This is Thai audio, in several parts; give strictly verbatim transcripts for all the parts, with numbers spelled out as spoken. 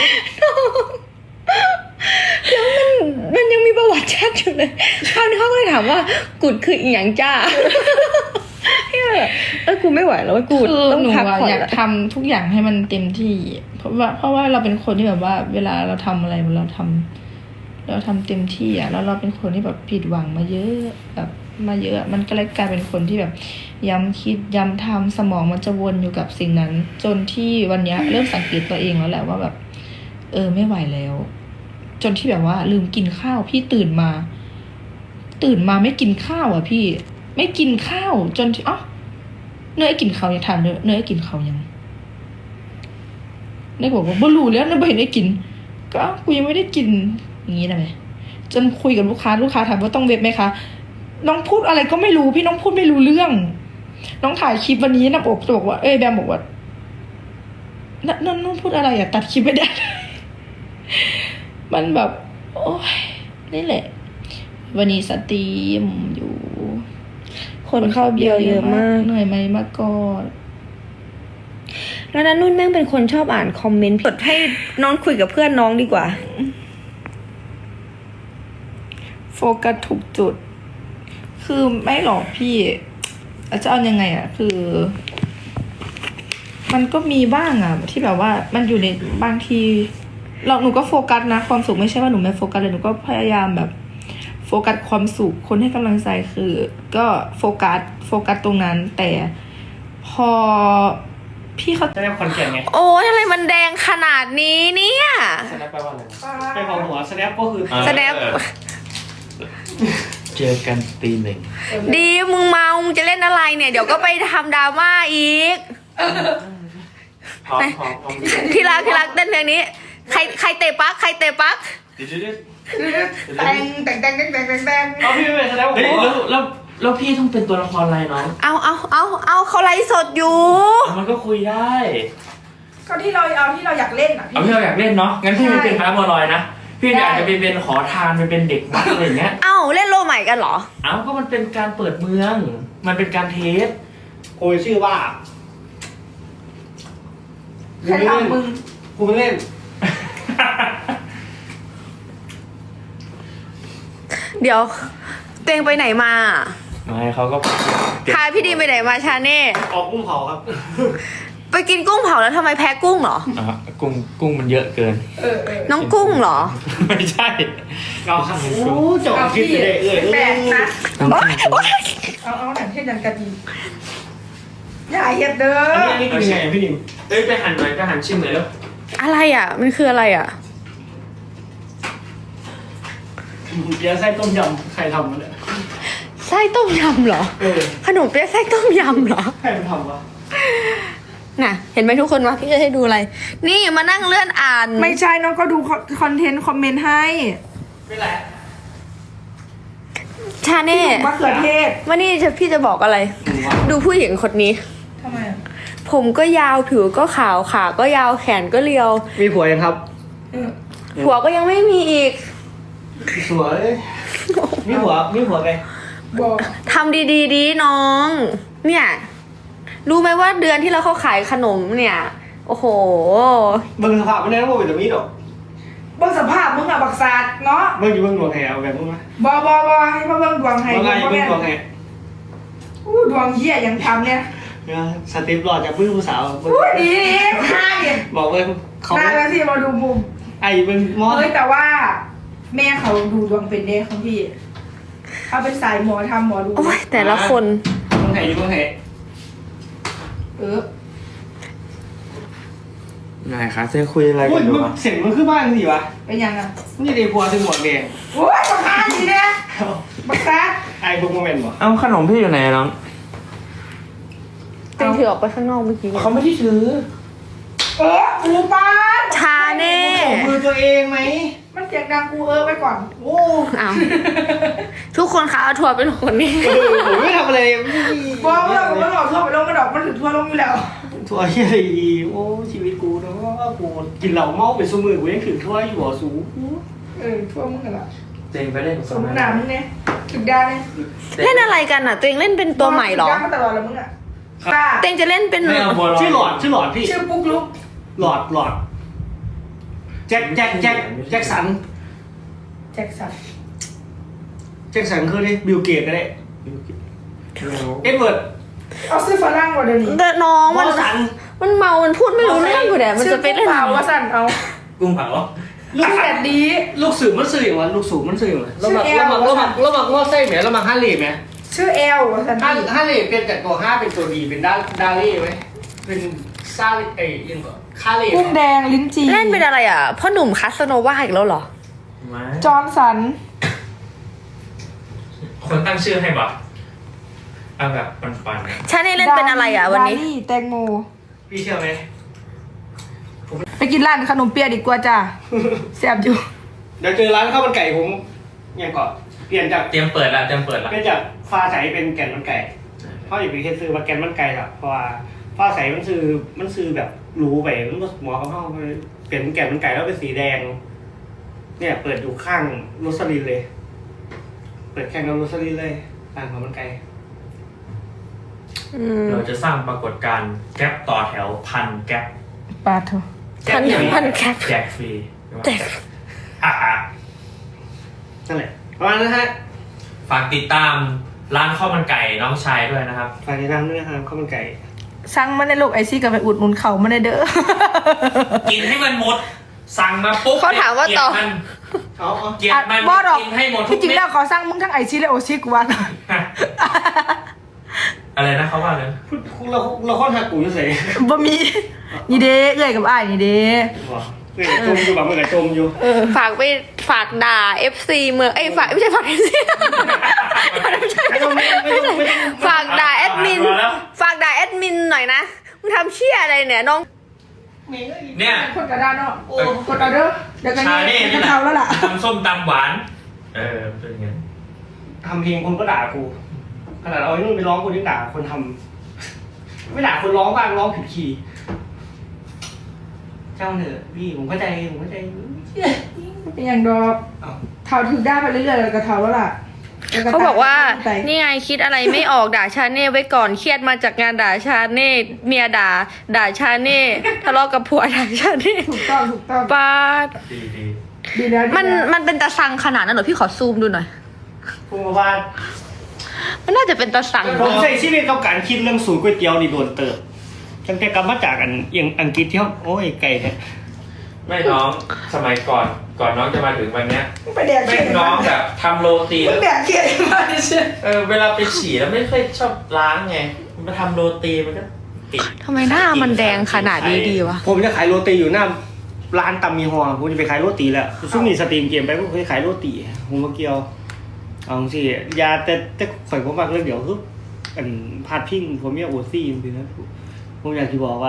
แล้วมันมันยังมีประวัติแชทอยู่เลยคราวนี้เขาก็เลยถามว่ากุดคืออีหยังจ้าพี่แบบเออกูไม่ไหวแล้วกูต้องพักผ่อนอยากทำทุกอย่างให้มันเต็มที่ เพราะว่าเพราะว่าเราเป็นคนที่แบบว่า เวลาเราทำอะไรเราทำเราทำเต็มที่อ่ะแล้วเราเป็นคนที่แบบผิดหวังมาเยอะแบบมาเยอะมันก็เลยกลายเป็นคนที่แบบย้ำคิดย้ำทำสมองมันจะวนอยู่กับสิ่งนั้น จนที่วันนี้เริ่มสังเกตตัวเองแล้วแหละว่าแบบ เออไม่ไหวแล้ว จนที่แบบว่าลืมกินข้าวพี่ตื่นมา ตื่นมาไม่กินข้าวอ่ะพี่ ไม่กินข้าวจนที่อ๋อเนยกินข้าวยังทานเนยเนยกินข้าวยังเนยบอกว่าบ่รู้แล้วเนยไม่เห็นได้กิน ก็กูยังไม่ได้กินอย่างนี้ได้ไหมจนคุยกับลูกค้าลูกค้าถามว่าต้องเว็บไหมคะน้องพูดอะไรก็ไม่รู้พี่น้องพูดไม่รู้เรื่อง น้องถ่ายคลิปวันนี้นะบอกบอกว่าเอ้ยแบมบอกว่านั่นนั่นน้องพูดอะไรอ่ะตัดคลิปไม่ได้ มันแบบโอ้ยนี่แหละวันนี้สตรีมอยู่คนเข้าเบียร์เยอะมากเหนื่อยไหมมากก่อนแล้วนั้นนุ่นแม่งเป็นคนชอบอ่านคอมเมนต์กดให้น้องคุยกับเพื่อนน้องดีกว่าโฟกัสถูกจุด คือไม่หรอกพี่อาจจะเอายังไงอ่ะ คือ มันก็มีบ้างอ่ะ ที่แบบว่ามันอยู่ในบางทีเราหนูก็โฟกัสนะความสุขไม่ใช่ว่าหนูไม่โฟกัสเลยหนูก็พยายามแบบโฟกัสความสุขคนให้กำลังใจคือ ก็โฟกัสโฟกัสตรงนั้น แต่พอพี่เขาจะได้คอนแกนไงโอ้ยอะไรมันแดงขนาดนี้เนี่ยสแนปแปลว่าอะไรไปของหัวสแนปก็คือแสดงเจอกันตีหนึ่งดีมึงเมามึงจะเล่นอะไรเนี่ย เดี๋ยวก็ไปทำดราม่าอีกพร้อมพร้อมพร้อมที่รักที่รักเต้นเพลงนี้ ใครใครเตะปักใครเตะปักเดี๋ยวเดี๋ยวแต่งแต่งแต่งแต่งแต่งแต่งแต่งเอาพี่ไม่เป็นสแนปเฮ้ยแล้วแล้วแล้วพี่ต้องเป็นตัวละครอะไรน้องเอาเอาเอาเอาเขาไลฟ์สดอยู่มันก็คุยได้ก็ที่เราเอาที่เราอยากเล่นอ่ะเอาพี่เราอยากเล่นเนาะงั้นพี่ไม่เป็นพระบัวลอยนะพี่อาจจะไปเป็นขอทานไปเป็นเด็กวัดอะไรอย่างเงี้ยเอ้าเล่นโลใหม่กันเหรอเอ้าก็มันเป็นการเปิดเมือง มันเป็นการเทสโอ้ยชื่อว่าใครทำมึงกูไม่เล่นเดี๋ยวตัวเองไปไหนมาไม่เขาก็พาพี่ดีไปไหนมาชาเน่ออกกุ้งเผาครับไปกินกุ้งเผาแล้วทำไมแพ้กุ้งเหรออ่ะกุ้งกุ้งมันเยอะเกินเออเออน้องกุ้งเหรอไม่ใช่เราครับโอ้จบคิดไปเลยเอ้ยแปลกนะโอ๊ยโอ๊ยเอาเอาหนังเทศยันกะดีอย่าเหยียบเด้ออันนี้กินยังไงพี่ดิมเอ้ยไปหันหน่อยไปหันชิมหน่อยแล้วอะไรอ่ะ มันคืออะไรอ่ะเบียร์ไส้ต้มยำใครทำมาเนี่ยไส้ต้มยำเหรอเออขนมเปี๊ยะไส้ต้มยำเหรอใครมันทำวะน่ะ เห็นไหมทุกคนวะพี่จะให้ดูอะไร นี่มานั่งเลื่อนอ่านไม่ใช่น้องก็ดูคอนเทนต์คอมเมนต์ให้ไม่แหละชาเน่มะเขือเทศวันนี้จะพี่จะบอกอะไร ดูผู้หญิงคนนี้ทำไมอ่ะผมก็ยาวผิวก็ขาวขาก็ยาวแขนก็เรียวมีผัวยังครับเออผัวก็ยังไม่มีอีกสวยมีผัวมีผัวไงบอกทำดีๆดีน้อง เนี่ย รู้ไหมว่าเดือนที่เราเขาขายขนมเนี่ย โอ้โหมึงสภาพไม่ได้ต้องบอกเป็นตัวมีดหรอกเบิ่งสภาพมึงอ่ะบักซาดเนาะมึงอยู่เบิ่งดวงแหวแบบมึงไหมบอบอบอให้มาเบิ่งดวงให้ว่าไงบ่เบิ่แม่งนดวงแหอู้ดวงเหี้ยยังทำเนี่ยเนี่ยสติปหลอดจากผู้ผู้สาวอู้ดีดีห้าเนี่ยบอกเลยเขาน่าแล้วที่มาดูมุมไอ้เป็นมอสเฮ้ยแต่ว่า แม่เขาดูดวงเป็นเด้ของพี่เขาเป็นสายหมอทำหมอดูโอ้ยแต่ละคนมึงไหนอยู่มึงไหนเออนายคะจะคุยอะไรโอ้กัยนอยู่มึงวะเสียงมึงขึ้นบ้านสิวะเป็นยังอ่ะนี่เดพัวถึงหมวกแดงโอ้ยบักซาดดีเนี่ยบักซาดไอ้บุกโมเมนต์บ่เอ้าขนมพี่อยู่ไหนน้องเต็งถือออกไปข้างนอกเมื่อกี้เขาไม่ได้ถือเออกูบ้านชาเน่ของมือตัวเองไหมมันเสียงดังกูเออไปก่อนโอ้อ้าวทุกคนคะเอาทัวร์เป็นคนนี้เออผมไม่ทำอะไรไม่มีบอกว่าเราไม่หลอกทั่วไปลงกระดอกมันถึงทั่วลงอยู่แล้วทัวร์อะไรอีโอ้ชีวิตกูนะว่ากูกินเหล้าเมาไปสู้มือกูยังถึงทัวร์อยู่บ่สูเออทั่วมึงกันละเจงไปเล่นกับสมน้ำมึงเนี่ยถึงได้เนี่ยเล่นอะไรกันอ่ะ ตัวเองเล่นเป็นตัวใหม่เหรอย่างมาตลอดแล้วมึงอ่ะป้าเต็งจะเล่นเป็นไม่เอาบัวลอยชื่อหลอดชื่อหลอดพี่ชื่อปุ๊กลุกหลอดหลอดแจ็คแจ็คแจ็คแจ็คสันแจ็คสันแจ็คสันคือดิบิลเกตก็ได้เอ็ดเวิร์ดเอาซื้อฝรั่งกว่าเดี๋ยวนี้แต่น้องมมัอน สันมันเมา มันพูดไม่รู้เรื่องกูแดมันจะไปเล่นเปล่าว่าสั่นเอากุ้งเผาลูกแดดดีลูกสื่อมันสื่ออย่างวะลูกสูบมันสื่ออย่างวะเราหมักชื่อเราหมักแอลเราหมักเราหมักงอไส้ไหมเราหมักฮาร์เลย์ไหมชื่อแอลว่าสั่นฮาร์ฮาร์เลย์เป็นจากตัวห้าเป็นตัวดีเป็นดาดาเล่ไหมเป็นซาเอ้ยยังก็คาเล่กุ้งแดงลิ้นจี่เล่นเป็นอะไรอ่ะพ่อหนุ่มคาสโนวาอีกแล้วเหรอมาจอห์นสันคนตั้งชื่อให้บอกเอาแบบปันๆนะชาเน่เล่นเป็นอะไรอ่ะวันนี้ดาลี่แตงโมพี่เชื่อไหมไปกินร้านขนมเปี๊ยะดีกว่าจ้ะแซ่บอยู่เดี๋ยวเจอร้านข้าวมันไก่ผมยังก่อนเปลี่ยนจากเตรียมเปิดละเตรียมเปิดละเปลี่ยนจากฟ้าใสเป็นแก่นมันไก่เขาอย่าไปเฮ็ดซื้อมาแก่นมันไก่หรอกเพราะว่าฟ้าใสมันซื้อมันซื้อแบบรู้ไปมันก็หมอเขาเข้าไปเปลี่ยนเป็นแก่นมันไก่แล้วเป็นสีแดง เนี่ยเปิดอยู่ข้างโรสลินเลย เปิดแข่งกับโรสลินเลยร้านข้าวมันไก่อืมเราจะสร้างปรากฏการณ์แก๊ปต่อแถวพันแก๊ปปาดเถอะพันพันแคปแจกฟรีแจกอ่ะอ่ะนั่นแหละประมาณนั้นฮะฝากติดตามร้านข้าวมันไก่น้องชายด้วยนะครับฝากติดตามด้วยนะครับข้าวมันไก่สั่งมาในโลกไอซี่กับไปอุดหนุนเขามาในเด้อกินให้มันหมด สั่งมาปุ๊บเขาถามว่าต่อเกลียดมันเอาเอาเกลียดมันบอดอกกินให้หมดทุที่กจริงเม็ดแล้วขอสั่งมึงทั้งไอซี่และโอซี่กูว่าอะไรนะเขาว่าเลยพูดเราเราค่อนหักกูอยู่ใส่บ่มีนี่เด้เอ้ยกับอ้ายนี่เด้บอกเฮ้ยจมอยู่แบบเมื่อไหร่จมอยู่ฝากไปฝากด่า เอฟ ซี เมืองเอ้ยฝากไม่ใช่ฝาก เอฟ ซีไม่ต้องไม่ต้องไม่ต้องไม่ต้องฝากด่าแอดมินมาแล้วฝากด่าแอดมินหน่อยนะมึงทำเชี่ยอะไรเนี่ยน้องเนี่ยคนกระดานเนาะโอ้คนเอาเด้อเดี๋ยวกันชาเน่นี่นี่แหละเขาแล้วล่ะทำส้มตำหวาน เออเป็นอย่างงี้ทำเพลงคนก็ด่ากูขนาดเอาไอ้นู่นไปร้องคนยังด่าคนทำไม่ด่าคนร้องบ้างร้องผิดคีย์เจ้าเหนือะพี่ผมเข้าใจผมเข้าใจเป็นอย่างดอกเอาเท่าถึงได้ไปเรื่อยๆแล้วก็เท่าแล้วล่ะแล้วเขาบอกว่าไปนี่ไงคิดอะไรไม่ออกด่าชาเน่ไว้ก่อนเครียดมาจากงานด่าชาเน่เมียด่า ด่าชาเน่ทะเลาะกับผัวด่าชาเน่ถูกต้องถูกต้องป้าดดีดีดีแล้วดีแล้วมันมันเป็นตาสังขนาดนั้นเหรอพี่ขอซูมดูหน่อยพูดมาว่ามันน่าจะเป็นตาสังผมใส่ชีวิตกับการคิดเรื่องสูตรก๋วยเตี๋ยวนี่โดนเติบตั้งแต่กลับมาจากอันเอียงอังกฤษที่เขาโอ้ยไก่แท้ไม่น้องสมัยก่อนก่อนน้องจะมาถึงวันเนี้ยมึงไปแดกแม่เขียงน้องแบบทำโรตีมึแล้งวแดกเขียมาดิเชื่อเออเวลาไปฉี่แล้วไม่ค่อยชอบล้างไงมาทำโรตีมันก็ติดทำไมหน้ามันแดงขนาดนี้ดีวะผมจะขายโรตีอยู่หน้าร้านตำมีฮอผมจะไปขายโรตีแล้วซึ่งมีสตรีมเกมไปผมเคยขายโรตีผมมาเกี่ยวเอาสิยาแต่แต่ข่อยผมมากเรื่องเดี๋ยวคืออันพาดพิงผมเนี่ยโอซี่จริงๆนะผมอยากจะบอกว่า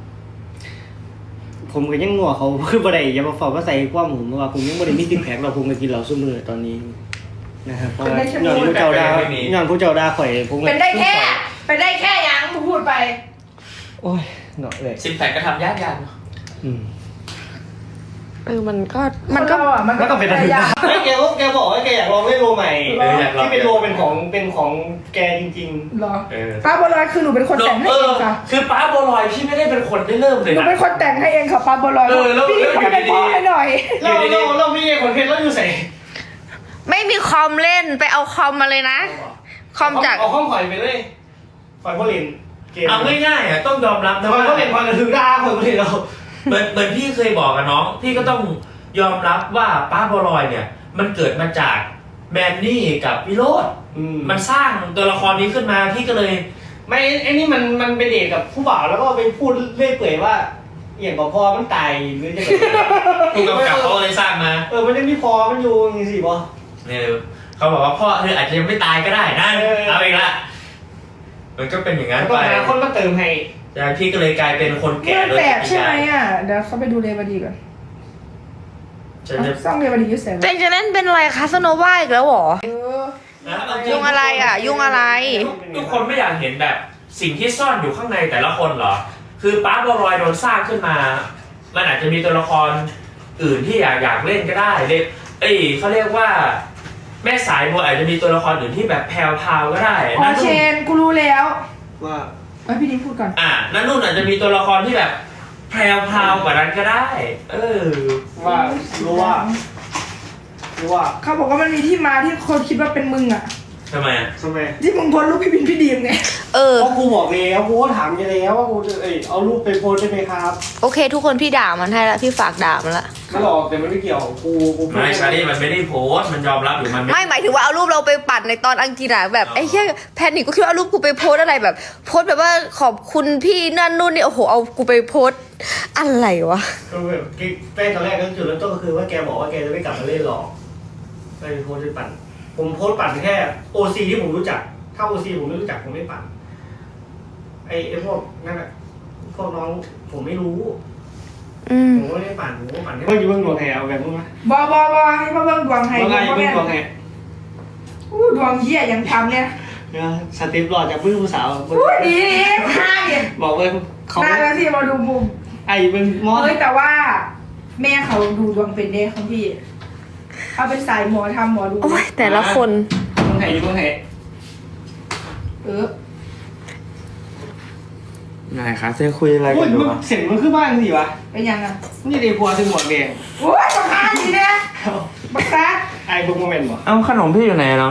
ผมก็ยังงัวเขาคือบ่ได้อย่ามาฝากว่าใส่ความผมว่าผมยังบ่ได้มีติดแผงเราผมก็กินเหล้าซุมื้อตอนนี้นะครับเพราะว่าย้อนผู้เจ้าดาย้อนผู้เจ้าดาข่อยผมก็เป็นได้แค่ เป็นได้แค่ยังมึงพูดไปโอ้ยหน่อยเลยซิมแพคก็ทำยากยากอืมเออมันก็มันก็คนเราอ่ะมันก็ต้องเป็นระดับยากแกบอกแกบอกว่าแกอยากลองเล่นโรใหม่เอออยากลองที่เป็นโรเป็นของเป็นของแกจริงเหรอเออป้าบัวลอยคือหนูเป็นคนแต่งให้เอเอองค่ะคือป้าบัวลอยพี่ไม่ได้เป็นคนได้เริ่มเลยหนูนะเป็นคนแต่งให้เองค่ะป้าบัวลอยเออแล้วพี่แล้วขอเป็นอยู่ดีๆพ่อให้หน่อยๆเราเราเราไม่ใช่คนเพชรเราอยู่ใส่ไม่มีคอมเล่นไปเอาคอมมาเลยนะ คอมจากเอาห้องข่อยไปเลยข่อยพ่อเล่นเกมเอาง่ายๆอ่ะต้องยอมรับนะข่อยว่าพ่อเล่นข่อยกระถึงด่าข่อยพ่อเล่นเราเหมือนเหมือนพี่เคยบอกกับน้อง พี่ก็ต้องยอมรับว่าป้าบัวลอยเนี่ย มันเกิดมาจากแมนนี่กับวิโรจน์อืมมันสร้างตัวละครนี้ขึ้นมาพี่ก็เลยไม่ไอ้นี่มันมันเป็นเด็กกับผู้บ่าวแล้วก็ไปพูดเรื่อยเปื่อยว่าอย่างกับพอมันตายหรือจะผู้กำกับเขาก็เลยสร้างมาเออมันยังมีพอมันอยู่อย่างนี้สิบอเนี่ยเขาบอกว่าพ่อเธออาจจะยังไม่ตายก็ได้นะเออเอาอีกละมันก็เป็นอย่างนั้นต้องไปหาคนมาเติมให้แล้วพี่ก็เลยกลายเป็นคนนี่แก่มันโดยแปลกปริใช่ไหมยายอ่ะ เดี๋ยวเขาไปดูเรวดีก่อนฉันจะซ่องเรวดีอยุ่เสร็จเต็งจะเล่นเป็นอะไรคาสโนวาอีกแล้วเหรอเออนะเอาจยุ่งอะไรอ่ะยุ่งอะไรทุกคนไม่อยากเห็นแบบสิ่งที่ซ่อนอยู่ข้างในแต่ละคนเหรอ คือป้าบัวลอยโดนสร้างขึ้นมา มันอาจจะมีตัวละครอื่นที่อยากอยากเล่นก็ได้เด็กเอ้ยเขาเรียกว่า แม่สายบัวอาจจะมีตัวละครอื่นที่แบบแพรวพราวก็ได้อ๋อนั่นเชนู่นนกูรู้แล้วว่าเอ้ยพี่ดิพูดก่อนอ่ะนั่นนู่นอาจจะมีตัวละครที่แบบแแพรวพราวกว่านั้นก็ได้ เออว่ารู้ว่ารู้ว่าเขาบอกว่ามันมีที่มาที่คนคิดว่าเป็นมึงอ่ะทำไมอ่ะทำไมที่มึงโพสต์รูปพี่บินพี่ดีมไงเออเพราะกูบอกแล้วกูก็ถามไปแล้วว่ากูจะเอ้ยเอารูปไปโพสได้ไหมครับโอเค ทุกคนพี่ด่ามันให้ละพี่ฝากด่ามันละไม่หรอกแต่มันไม่เกี่ยวกูกูพูดไม่ชาลี่มันไม่ได้โพสต์มันยอมรับหรือมันไม่ไม่หมายถึงว่าเอารูปเราไปปัดในตอนอังกฤษอะแบบไอ้แค่แพนิกก็คิดว่าเอารูปกูไปโพสอะไรแบบ โพสแบบว่าขอบคุณพี่นั่นนู่นนี่โอ้โหเอากูไปโพสอะไรวะก็แบบแป้งตอนแรกก็จุดเริ่มต้นก็คือว่าแกบอกว่าแกจะไม่กลับมาเล่นหรอกไปโพสต์ไปปั่นผมโพสต์ปั่นแค่โอซีที่ผมรู้จักถ้าโอซีผมไม่รู้จักผมไม่ปั่นไอ้ไอ้พวกนั่นแหละพวกน้องผมไม่รู้อืมผมก็ไม่ได้ปั่นผมก็ปั่นเมื่อกี้เพิ่งดวงแหเอาแบบมึงไหมบอบอบอให้พ่อเบิ่งดวงให้ว่าไงพ่อเพิ่งแม่ดวงแหอู้ดวงเหี้ยยังทำเนี่ยเนี่ยสเต็ปหล่อจากเพิ่งผู้สาวอู้ดีดีห้าเนี่ยบอกเลยเขาห้าแล้วที่มาดูมุมไอ้เป็นมอสเฮ้ยแต่ว่า แม่เขาดูดวงเป็นเด้ของพี่เขาเป็นสายหมอทำหมอดูโอ้ยแต่ละคนดวงแหอยู่ดวงแหเออนายคะจะคุยอะไรโอ้กัยนอยู่มึงวะเสียงมันขึ้นบ้านสิวะเป็นยังอ่ะนี่เดพัวถึงหมวกแดงโอ้ยบักฮาดีเนี่ยบักซักไอ้บุ๊กโมเมนต์บอกเอ้าขนมพี่อยู่ไหนน้อง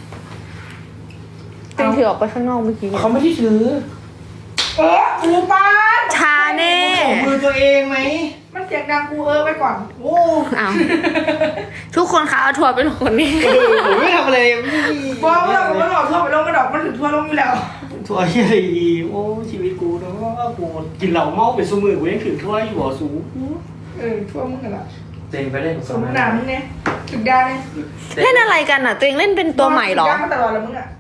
เป็นถือออกไปข้างนอกเมื่อกี้เขาไม่ได้ถือเออกูป้านชาแน่ของมือตัวเองไหมมันเสียงดังกูเออไปก่อนโอ้อ้าวทุกคนคะเอาทัวร์เป็นคนนี้เออผมไม่ทำอะไรไม่บอกว่าผมมันออกทั่วไปลงกระดอกมันถึงทั่วลงอยู่แล้วทัวร์ที่อะไรดีโอ้ชีวิตกูเนาะกูกินเหล้าเมาเป็นสมือกูยังถือถ้วยอยู่หัวสูงเออทั่วมึงกันละเจงไปเล่นกับสโซมนาหนามึงเนี่ยถึงได้เนี่ยเล่นอะไรกันอ่ะ ตัวเองเล่นเป็นตัวใหม่เหรอถึงได้มาตลอดแล้วมึงอ่ะ